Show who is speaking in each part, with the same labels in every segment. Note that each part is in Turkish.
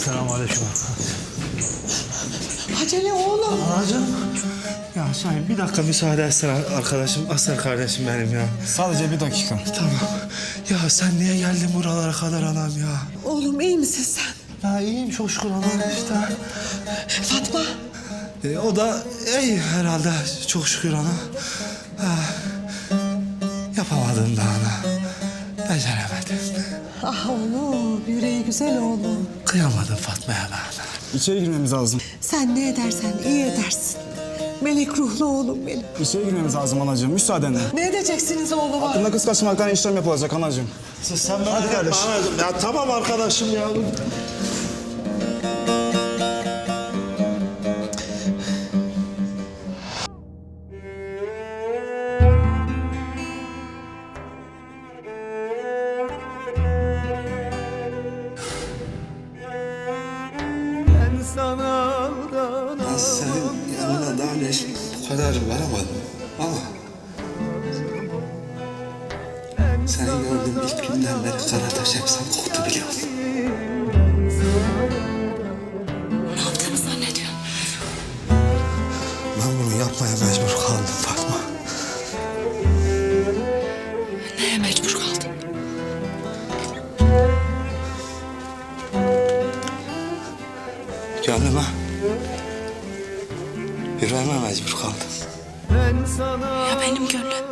Speaker 1: Selamünaleyküm.
Speaker 2: Acele oğlum.
Speaker 1: Anacığım. Ya Şahin bir dakika müsaade etsen arkadaşım, aslan kardeşim benim ya.
Speaker 3: Sadece bir dakika.
Speaker 1: Tamam. Ya sen niye geldin buralara kadar anam ya?
Speaker 2: Oğlum iyi misin sen?
Speaker 1: Ya iyiyim çok şükür anam işte.
Speaker 2: Fatma.
Speaker 1: O da iyi herhalde çok şükür ana. Yapamadım da ana. Beceremedim.
Speaker 2: Ah oğlum, yüreği güzel oğlum.
Speaker 1: Kıyamadım Fatma'ya ben.
Speaker 3: İçeri girmemiz lazım.
Speaker 2: Sen ne edersen iyi edersin. Melek ruhlu oğlum benim.
Speaker 3: İçeri girmemiz lazım anacığım. Müsaadenle.
Speaker 2: Ne edeceksiniz oğluma?
Speaker 3: Bunda kız kaçırmaktan işlem yapılacak anacığım.
Speaker 1: Sen merak etme anacığım. Ya tamam arkadaşım ya. Ben senin yanına daha önce hiç bu kadar varamadım ama seni gördüğüm ilk günden beri Karataş hep sen koktu biliyor musun?
Speaker 2: Ne yaptığını zannediyorsun?
Speaker 1: Ben bunu yapmaya mecbur kaldım Fatma.
Speaker 2: Neye mecbur kaldın?
Speaker 1: Gönlüme, yüreğime mecbur kaldım.
Speaker 2: Ya benim gönlüm?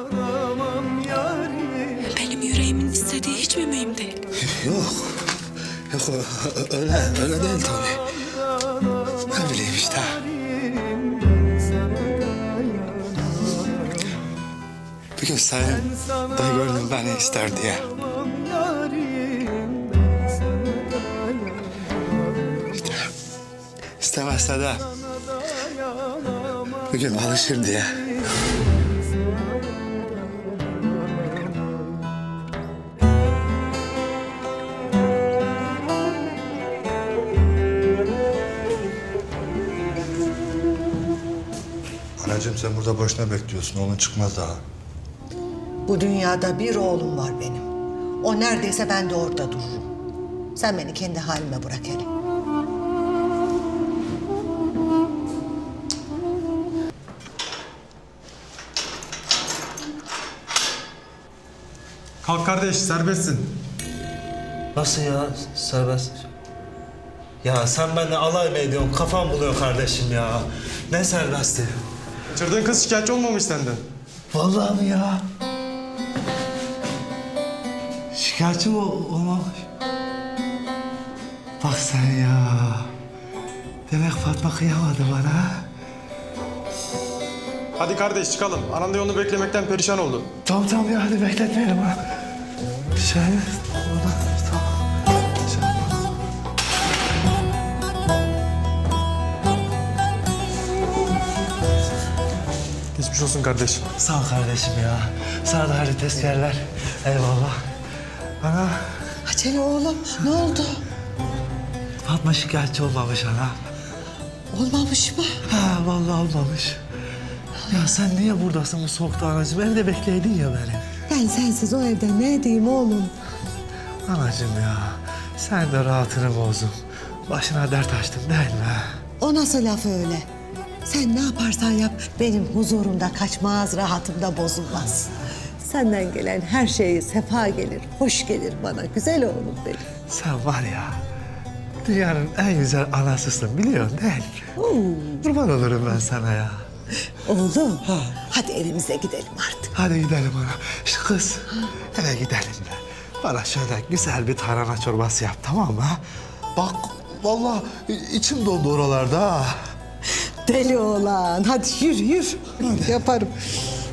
Speaker 2: Benim yüreğimin istediği hiç mi mühim değil?
Speaker 1: Yok, yok öyle değil tabii. Ne bileyim işte. Bir gün senin da gönlüm beni ister diye. İşte istemezse de bir gün alışır diye.
Speaker 4: Anacığım sen burada boşuna bekliyorsun. Oğlun çıkmaz daha.
Speaker 2: Bu dünyada bir oğlum var benim. O neredeyse ben de orada dururum. Sen beni kendi halime bırak hele.
Speaker 3: Kalk kardeş, serbestsin.
Speaker 1: Nasıl ya serbest? Ya sen benimle alay mı ediyorsun? Kafam buluyor kardeşim ya. Ne serbesti?
Speaker 3: Kaçırdığın kız şikayetçi olmamış senden.
Speaker 1: Vallahi mi ya? Şikayetçi mi olmamış? Bak sen ya. Demek Fatma kıyamadı bana.
Speaker 3: Hadi kardeş çıkalım. Anan da yolunu beklemekten perişan oldu.
Speaker 1: Tamam ya hadi bekletmeyelim ha. Orada tamam.
Speaker 3: Geçmiş olsun kardeş.
Speaker 1: Sağ ol kardeşim ya. Sana da hayırlı tezkerler. Eyvallah. Ana,
Speaker 2: Acele oğlum, ne oldu?
Speaker 1: Fatma şikayetçi olmamış ana.
Speaker 2: Olmamış mı?
Speaker 1: Ha vallahi olmamış. Ya sen niye buradasın bu soğukta anacığım? Evde bekleydin ya beni.
Speaker 2: Ben sensiz o evde ne edeyim oğlum?
Speaker 1: Anacığım ya, sen de rahatını bozdun. Başına dert açtın değil mi?
Speaker 2: O nasıl laf öyle? Sen ne yaparsan yap benim huzurumda kaçmaz, rahatımda bozulmaz. Senden gelen her şey sefa gelir, hoş gelir bana. Güzel oğlum benim.
Speaker 1: Sen var ya, dünyanın en güzel anasısın biliyorsun değil mi? Kurban olurum ben sana ya.
Speaker 2: Oğlum, hadi evimize gidelim artık.
Speaker 1: Hadi gidelim ana. İşte kız, eve gidelim de. Bana şöyle güzel bir tarhana çorbası yap tamam mı? Ha? Bak vallahi içim dondu oralarda ha.
Speaker 2: Deli oğlan, hadi yürü. Yaparım.